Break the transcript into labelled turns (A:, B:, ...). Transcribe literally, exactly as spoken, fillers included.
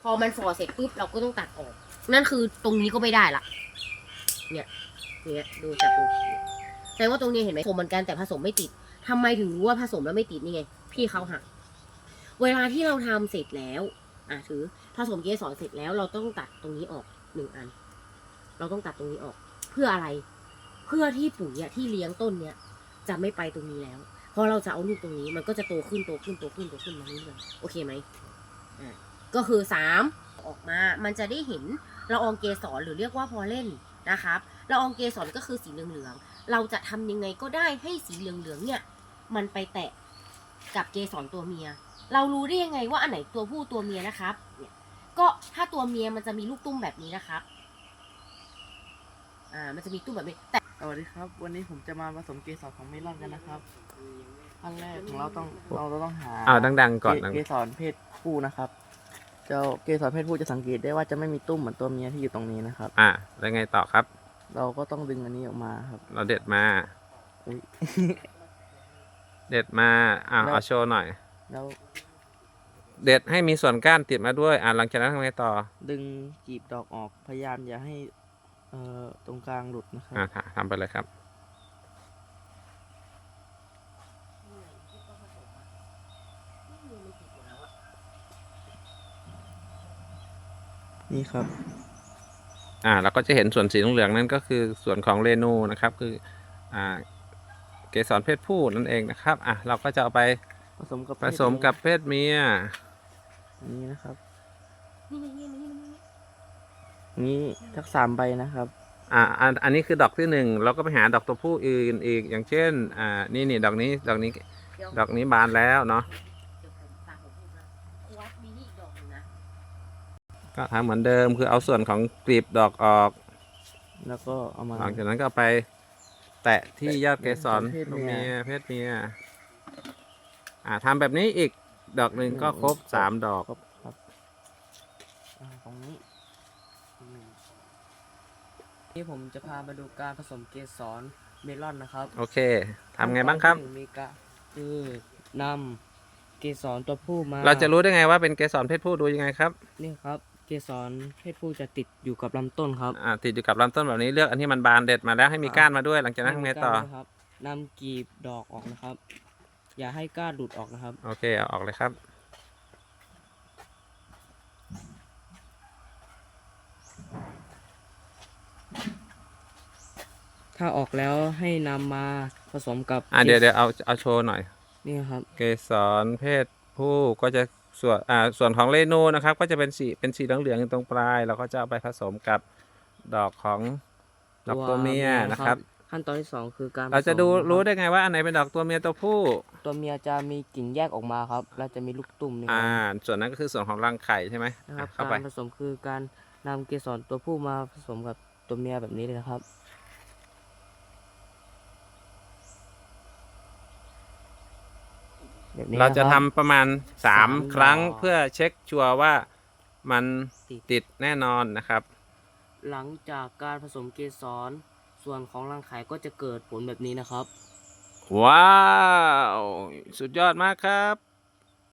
A: อมันฝ่อเสร็จปุ๊บเราก็ต้องตัดออกนั่นคือตรงนี้ก็ไม่ได้ละเนี่ยเนี่ยดูจับดูแสดงว่าตรงนี้เห็นไหมผสมเหมือนกันแต่ผสมไม่ติดทำไมถึงรู้ว่าผสมแล้วไม่ติดนี่ไงพี่เขาหักเวลาที่เราทำเสร็จแล้วอ่ะถือผสมเกสรเสร็จแล้วเราต้องตัดตรงนี้ออกหนึ่งอันเราต้องตัดตรงนี้ออกเพื่ออะไรเพื่อที่ปุ๋ยอะที่เลี้ยงต้นเนี้ยจะไม่ไปตรงนี้แล้วพอเราจะเอาลูกตรงนี้มันก็จะโตขึ้นโตขึ้นโตขึ้นโตขึ้นมาเรื่อยๆโอเคไหมอ่าก็คือสามออกมามันจะได้เห็นละอองเกสรหรือเรียกว่าพอลเลนนะครับละอองเกสรก็คือสีเหลืองๆเราจะทำยังไงก็ได้ให้สีเหลืองๆเนี่ยมันไปแตะกับเกสรตัวเมียเรารู้ได้ยังไงว่าอันไหนตัวผู้ตัวเมียนะครับเนี่ยก็ถ้าตัวเมียมันจะมีลูกตุ้มแบบนี้นะครับอ่ามันจะมีตุ้มแบบนี้แต่
B: สวัสดีครับวันนี้ผมจะมาผสมเกสรของเมลอนกันนะครับขั้นแรกของเราต้องเราต้องหา
C: อ้าวดังๆก่อน
B: เกสรเพศผู้นะครับเจ้าเกสรเพศผู้จะสังเกตได้ว่าจะไม่มีตุ้มเหมือนตัวเมียที่อยู่ตรงนี้นะครับ
C: อ่าแล้วไงต่อครับ
B: เราก็ต้องดึงอันนี้ออกมาครับ
C: เราเด็ดมา
B: อุ๊ย
C: เด็ดมาอ่า
B: แล้ว
C: เอาโชว์หน่อย
B: แล้ว
C: เด็ดให้มีส่วนก้านติดมาด้วยอ่าหลังจากนั้นทำไงต่อ
B: ดึงกีบดอกออกพยายามอย่าให้เอ่อตรงกลางหลุดนะครับ
C: อ่าทำไปเลยครับ
B: นี่ครับ
C: อ่าเราก็จะเห็นส่วนสีเหลืองๆนั่นก็คือส่วนของเรนูนะครับคืออ่าเกสรเพศผู้นั่นเองนะครับอ่ะเราก็จะเอาไป
B: ผสมกับ
C: ผสมกับเพศเมีย
B: อันนี้นะครับ
A: นี่นี่นี่นี่นี่
B: นี้ทักสามใบนะครับ
C: อ่าอันอันนี้คือดอกที่หนึ่งเราก็ไปหาดอกตัวผู้อื่นอีกอย่างเช่นอ่านี่นี่ดอกนี้ดอกนี้
A: เดี๋ยว
C: ดอกนี้บานแล้วเนาะ
A: เดี๋ยวผมตามผมพูดนะวัดมีนี่อีกดอกหนึ่งนะ
C: ก็ทำเหมือนเดิมคือเอาส่วนของกลีบดอกออก
B: แล้วก็เอามา
C: หลังจากนั้นก็เอาไปแตะที่ยอดเกสร
B: เพศ
C: ตัว
B: เมี
C: เมี
B: ย
C: ยเพศเมียอ่าทำแบบนี้อีกดอกหนึ่งก็ครบสามดอก
B: ครบครับอ่าตรงนี้นี่ผมจะพามาดูการผสมเกสรเมลอนนะครับ
C: โอเคทำไงบ้างครับ
B: ขั้นตอนที่หนึ่มีกะคือนำเกสรตัวผู้มา
C: เราจะรู้ได้ไงว่าเป็นเกสรเพศผู้ดูยังไงครับ
B: นี่ครับเกสรเพศผู้จะติดอยู่กับลำต้นครับ
C: อ่าติดอยู่กับลำต้นแบบนี้เลือกอันที่มันบานเด็ดมาแล้วให้มีก้านมาด้วยหลังจากนั้นทำไงต่อ
B: ให้มีก้านด้วยครับนำกีบดอกออกนะครับ อย่าให้ก้านหลุดออกนะครับ
C: โอเคเอาออกเลยครับ
B: ถ้าออกแล้วให้นำมาผสมกับ
C: อ่าเดี๋ยวเดี๋ยวเอาเอาโชว์หน่อย
B: นี่ครับ
C: เกสรเพศผู้ก็จะส่วนอ่าส่วนของเรนูนะครับก็จะเป็นสีเป็นสีเหลืองๆอยู่ตรงปลายเราก็จะเอาไปผสมกับดอกของดอกตัวเมียนะครับ
B: ขั้นตอนที่สองคือการ
C: เราจะดู
B: ผสมนคบ
C: รู้ได้ไงว่าอันไหนเป็นดอกตัวเมียตัวผู้
B: ตัวเมียจะมีกิ่งแยกออกมาครับ แล้วจะมีลูกตุ่มนี่ค
C: อ่า
B: รับ
C: ส่วนนั้นก็คือส่วนของรังไข่ใช่ไหม
B: นะครับ
C: อ่ะเข้าไป
B: การผสมคือการนำเกสรตัวผู้มาผสมกับตัวเมียแบบนี้เลยนะครับแบบนี้
C: เราจะ
B: นค
C: ทำ
B: บ
C: ประมาณสาม
B: สาม
C: ครั้ง
B: ดอก
C: เพื่อเช็คชัวร์ว่ามัน
B: ติด
C: ติดแน่นอนนะครับ
B: หลังจากการผสมเกสรส่วนของรังไข่ก็จะเกิดผลแบบนี้นะครับ
C: ว้าวสุดยอดมากครับ